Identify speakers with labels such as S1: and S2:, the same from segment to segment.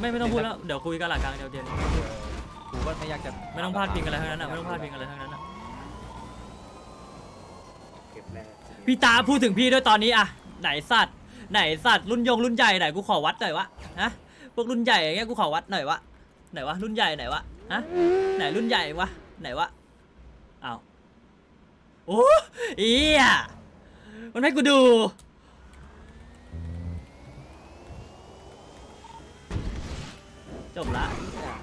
S1: ไม่ต้องพูดแล้วเดี๋ยวคุยกันหลังกลางเดี๋ยวเดี๋ยว
S2: กูก็ไม่อยากจะ
S1: ไม่ต้องพลาดพิงอะไรทั้งนั้นอ่ะไม่ต้องพลาดพิงอะไรทั้งนั้นอ่ะพี่ตาพูดถึงพี่ด้วยตอนนี้อะไหนสัตว์รุ่นใหญ่ไหนกูขอวัดหน่อยวะฮะพวกรุ่นใหญ่อย่างเงี้ยกูขอวัดหน่อยวะไหนวะรุ่นใหญ่ไหนวะฮะไหนรุ่นใหญ่วะไหนวะอ้าวโอ้อีอะมันให้กูดูจบละ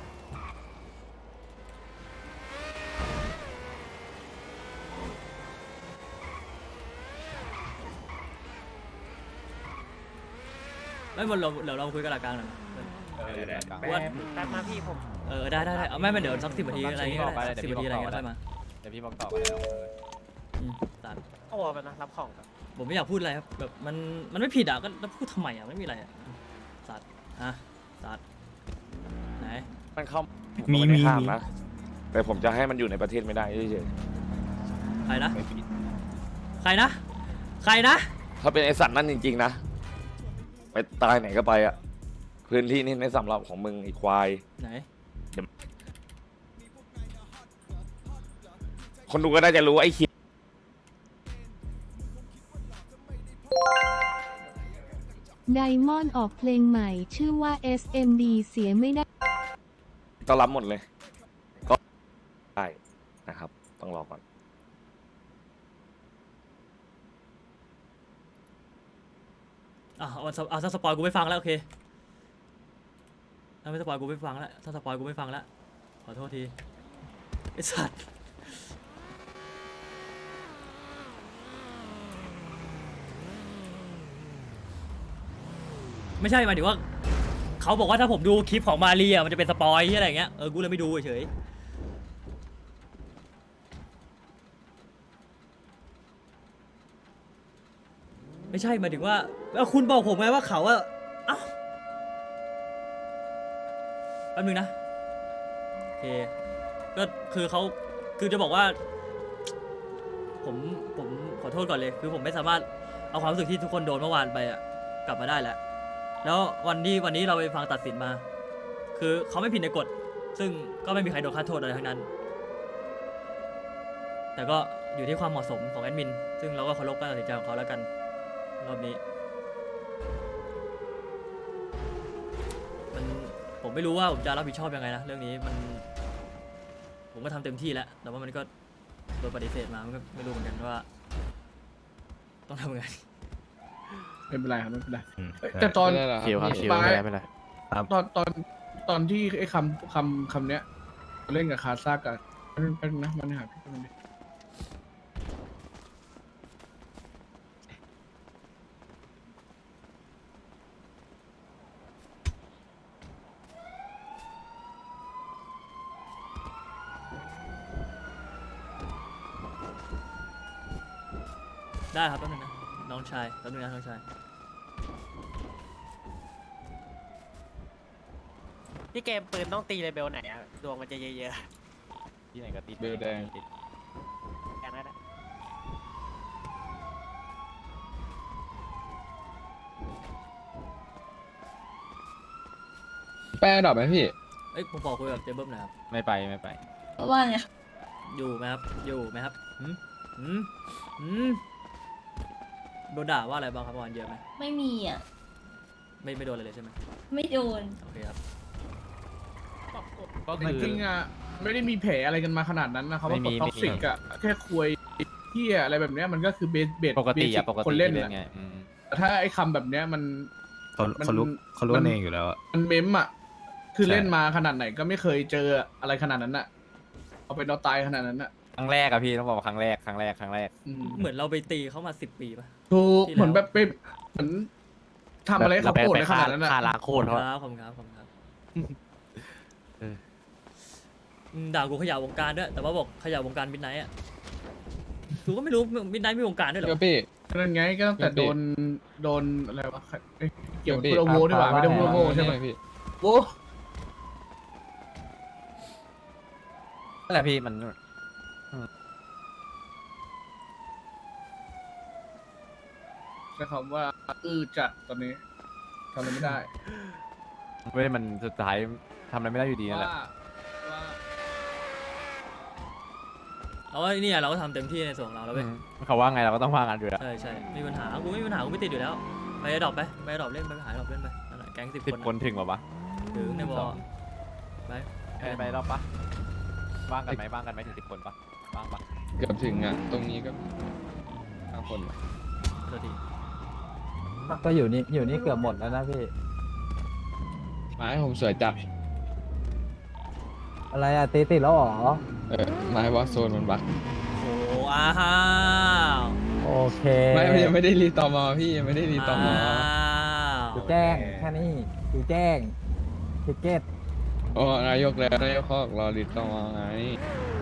S1: ไม่หมดเราเดี๋ยวเราคุยกันหลังกลางหน่อย
S3: ว่าแป๊บมาพี่ผม
S1: ได้เอาไม่เดี๋ยวสัก10 นาทีอะไรเงี้ย10 นาทีอะไรเงี้ยค่อยมา
S2: เดี๋ยวพี่บอกต่อกันแล้ว
S1: ตัด
S3: เอาวอลไปนะรับของกัน
S1: ผมไม่อยากพูดอะไรครับแบบมันไม่ผิดอ่ะก็พูดทำไมอ่ะไม่มีอะไรอ่ะสัตว์ฮะสัตว์ไหน
S4: มันเข้า
S5: มี
S4: ข้ามนะแต่ผมจะให้มันอยู่ในประเทศไม่ได้เฉย
S1: ใครนะ
S4: ๆไม่ผิด
S1: ใครนะ
S4: ถ้าเป็นไอสัตว์นั่นจริงๆนะไปตายไหนก็ไปอ่ะพื้นที่นี่ในสำหรับของมึงอีควาย
S1: ไหน
S4: คนดูก็น่าจะรู้ไอ้คิด
S6: ไดมอนด์ออกเพลงใหม่ชื่อว่า SMD เสียไม่ได้
S4: ต้อนรับหมดเลย ก็ได้นะครับ ต้องรอก่อน
S1: เอาถ้าสปอยกูไม่ฟังแล้วโอเคถ้าไม่สปอยกูไม่ฟังแล้วถ้าสปอยกูไม่ฟังแล้วขอโทษทีไอ้สัตว์ไม่ใช่หมายถึงว่าเขาบอกว่าถ้าผมดูคลิปของมาเรียมันจะเป็นสปอยอะไรอย่างเงี้ยกูเลยไม่ดูเฉยไม่ใช่หมายถึงว่าคุณบอกผมไงว่าเขาอะเอ้าแป๊บนึงนะโอเคก็คือเขาคือจะบอกว่าผมขอโทษก่อนเลยคือผมไม่สามารถเอาความรู้สึกที่ทุกคนโดนเมื่อวานไปอะกลับมาได้แล้ววันนี้เราไปฟังตัดสินมา คือเขาไม่ผิดในกฎซึ่งก็ไม่มีใครโดนค่าโทษอะไรทั้งนั้น แต่ก็อยู่ที่ความเหมาะสมของแอดมินซึ่งเราก็เคารพการตัดสินใจของเขาแล้วกันรอบนี้ผมไม่รู้ว่าผมจะรับผิดชอบยังไงนะเรื่องนี้ผมก็ทำเต็มที่แล้วแต่ว่ามันก็โดนปฏิเสธมามันก็ไม่รู้เหมือนกันว่าต้องทำยังไง
S5: ไม่เป็นไรครับไม่เป็นไรแต่ตอน
S2: เขียวครับเขียวไม่เป็นไร
S5: ตอนที่ไอ้คำเนี้ยเล่นกับคาซากันแป๊บนึงนะมันหาพี่มันดิ
S1: ได้ครับแป๊บนึงนะน้องชายแป๊บนึงนะน้องชาย
S3: พี่เกมปืนต้องตีเลเบลไหนอะดวงมันจะเยอะ
S2: ที่ไหนก็ติด
S5: เบลแดง
S3: ๆอย่างนั้นอะ
S5: แป้ดอกไหมพี่
S1: เอ้ยผมบอกคุยกับเจเบิ้มหนะครับ
S2: ไม่ไป
S7: ว่าไง
S1: อยู่ไหมครับหืมโดนด่าว่าอะไรบ้างครับเมื่อวานเยอะไหม
S7: ไม่มีอ่ะ
S1: ไม่โดนอะไรเลยใช่ไหม
S7: ไม่โดน
S1: โอเคครับ
S2: ก็
S5: จ
S2: คือ
S5: ริงๆอ่ะไม่ได้มีแผลอะไรกันมาขนาดนั้นนะเขาว่า
S2: ไม่มี
S5: ท็อกซิกอ่ะแค่คุยเที่ยอะไรแบบเนี้ยมันก็คือเบส
S2: ปกติอะปกติ
S5: คนเล่น
S2: เล่
S5: นะ
S2: นไง
S5: แต่ถ้าไอ้คำแบบเนี้ยมัน
S8: เขารู้กันเองอยู่แล้วอะ
S5: มันเมมอ่ะคือ
S8: ใช่
S5: เล่นมาขนาดไหนก็ไม่เคยเจออะไรขนาดนั้นอ่ะเอาเป็นเอาตายขนาดนั้นอ่ะ
S2: ครั้งแรกอะพี่ต้องบอกว่าครั้งแรก
S5: อืม
S1: เหมือนเราไปตีเขามา10 ปีป่ะ
S5: ถูก
S1: ที่แล้ว
S5: เหมือนแบบไปเหมือนทำอะไรให้เขาโกรธในขนาดนั้น
S2: ฆ่า
S5: อ่ะ
S2: ล้างโคตรเขา
S1: ขอบคุณครับด่ากูขยะวงการด้วยแต่ว่าบอกขยะวงการมิดไนท์อ่ะกูก็ไม่รู้มิดไนท์มีวงการด้วยเหรอ
S8: พี่
S5: นั่นไงก็ตั้งแต่
S8: พี่
S5: โดนอะไรวะเอ้ยเกี่ยวกับพูดโง่ดีกว่าไม่ได้พูดโง่ใช่ไหม
S8: พี่
S5: โว้
S2: นั่นแหละพี่มัน
S5: ใช้คำว่าจัดตอนนี้ทำอะไรไม่ได้
S2: ไม่ได้มันสุดท้ายทำอะไรไม่ได้อยู่ดีนั่นแหละ
S5: ว่า
S1: เราว่าเนี่ยเราก็ทำเต็มที่ในส่วนของเราแล้วเว้ย
S2: เขาว่าไงเราก็ต้องว่างันอยู่แล้ว
S1: ใช่ใช่มีปัญหากูไม่มีปัญหากูไม่ติดอยู่แล้วไปดรอปไปดรอปเล่นไปหาดรอปเล่นไปนั่นแหละแก๊ง10
S2: 10
S1: คน
S2: คนถึงป่าวะ
S1: ถึงในบอลไป
S2: ไปรอบปะว่างกันไหมถึง10 คนปะว่างปะ
S5: เกือบถึงอ่ะ ตรงนี้ก็5 คน
S1: โทษที
S9: ก็อยู่นี่เกือบหมดแล้วนะพี่
S5: ไม้ผมสวยจัด
S9: อะไรอะติดแล้วเหรอ
S5: ไม้ว่าโซนมันบัก
S1: โอ้อ้าว
S9: โอเค
S5: ไม่ยังไม่ได้รีตอมอพี่ยังไม่ได้รีตอมอ
S1: อ้าว
S9: ดูแจ้งแค่นี้ดูแจ้งทิเก็ต
S5: โอ้นายกแล้วนายกเขาบอกรอรีตอมอไง